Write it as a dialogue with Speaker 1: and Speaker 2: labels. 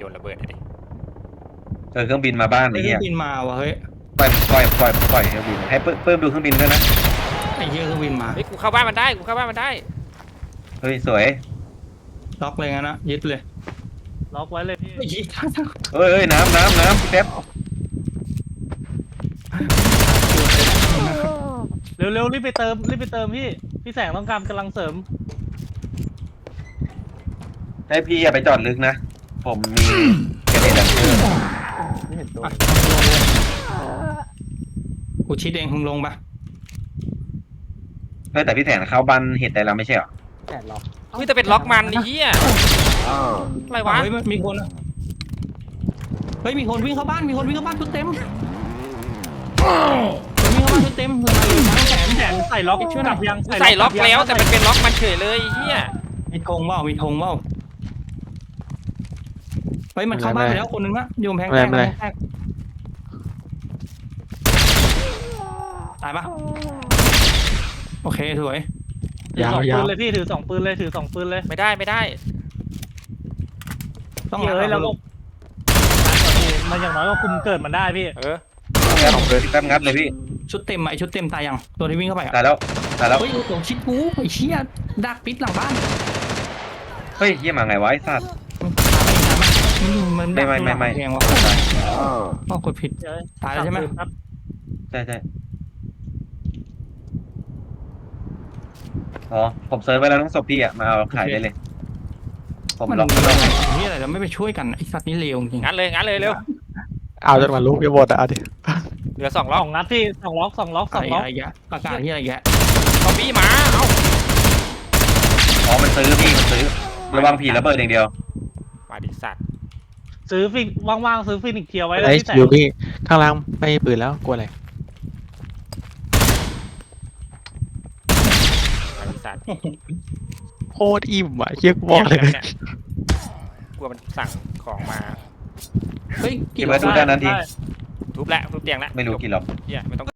Speaker 1: นระเบิดเลยดิ
Speaker 2: เครื่องบินมาบ้าน
Speaker 3: เค
Speaker 2: ไอ้
Speaker 3: รื่
Speaker 2: เหี้
Speaker 3: อย งบินมาว่ะเฮ้ย
Speaker 2: ปล่อยเครื่องบินให้เพิ่มดูเครื่องบินด้วยนะ
Speaker 3: ไอ้เหี้ยเครื่องบินมา
Speaker 1: เฮ้ยกูเข้าบ้านมันได้กูเข้าบ้านมันได้
Speaker 2: เฮ้ยสวย
Speaker 3: ล็อกเลยงั้นนะยึดเลย
Speaker 4: ล็อกไว้เลยพี่
Speaker 3: ไอ้เหี้ย
Speaker 2: เอ้ยน้ำพี่แป๊บ
Speaker 4: เร็วรีบไปเติมพี่แสงต้องการกำลังเสริม
Speaker 2: ให้พี่อย่าไปจอดลึกนะผมมีเกเรดันเตอร์
Speaker 4: ไม่เห็นตัว
Speaker 3: กูชิดเองมึงลงปะ
Speaker 2: เฮ้ยแต่พี่แสนเข้าบ้านเห็ดได้แล้วไม่ใช่เหรอ
Speaker 4: แสงล็อก
Speaker 1: เฮ้ยแต่เป็นล็อกมันไอ้เหี้ยอะไรวะ
Speaker 3: เฮ้ยมีคนอะเฮ้ยมีคนวิ่งเข้าบ้านชุดเต็มคนวิ่งเข้าบ้านชุดเต็มเฮ้ยมาแขน
Speaker 4: แสงใส่ล็อกกลับยัง
Speaker 1: ใส่ล็อกแล้วแต่มันเป็นล็อกมันเฉยเลยไอ้เหี้ย
Speaker 3: มีธงเปล่าเฮ้ยมันเข้าบ้านไปแล้วคนนึงละโยมแพงแตกตายปะโอเคสวย
Speaker 4: ถือสองปืนเลยพี่ถือสองปืนเลย
Speaker 1: ไม่ได้
Speaker 3: ต้อง
Speaker 4: เฮ้ยแล้วก็มันอย่างน้อยก็คุมเกิดมันได้พี่
Speaker 1: เออ
Speaker 2: แป๊บงัดเลยพี่
Speaker 3: ชุดเต็มไอชุดเต็มตายยังตัวที่วิ่งเข้าไปอ่ะ
Speaker 2: ตายแล้ว
Speaker 3: เฮ้ยโดนชิดกูไอ้เชี่ยดักปิดหลังบ้าน
Speaker 2: เฮ้ยเหี้ยมาไงวะไอ้สัตว์
Speaker 3: มันดัก
Speaker 2: ไม่
Speaker 3: แพงวะก็กดผิดตายแล้วใช่ไหม
Speaker 2: ใช่อ๋อผมเซิร์ชไว้แล้วต้องศพพี่อ่ะมาเอาขายได้เลยผม
Speaker 3: มัน
Speaker 2: ล็อกแล้ว
Speaker 3: นี่อะไรเราไม่ไปช่วยกันไอสัตว์นี่เลวจริง
Speaker 1: งั้นเลยเร็ว
Speaker 5: เอาจนมาลูกจะหมดอ่ะดิ
Speaker 1: เหลือ2
Speaker 4: ส
Speaker 1: ล็อก
Speaker 4: องนัดพี่สองล็อก
Speaker 3: อะไรแกประกาศที่อะไรแก
Speaker 1: ซอมบี้มาเอ้า
Speaker 2: อ๋อมันซื้อระวังผีระเบิดอย่างเดียว
Speaker 1: มาดิสัตว์
Speaker 4: ซื้อฟินว่างๆซื้อฟินิกเทียวไว้เลย
Speaker 5: ไอ้
Speaker 4: พี่แสง
Speaker 5: คิวพี่ข้างล่างไม่มีปืนแล้วกลัวอะไร
Speaker 1: มาดิสัตว์
Speaker 5: โคตรอิ่มอ่ะเชี่ยกูบอกเลย
Speaker 1: นี่กลัวมันสั่งของมา
Speaker 3: เฮ้ย
Speaker 2: เก็บไว้ดูด้านนั้นที
Speaker 1: ทุบเตียงแล้ว
Speaker 2: ไม่รู้กี่หรอก
Speaker 1: เหี้ยไม่ต้อง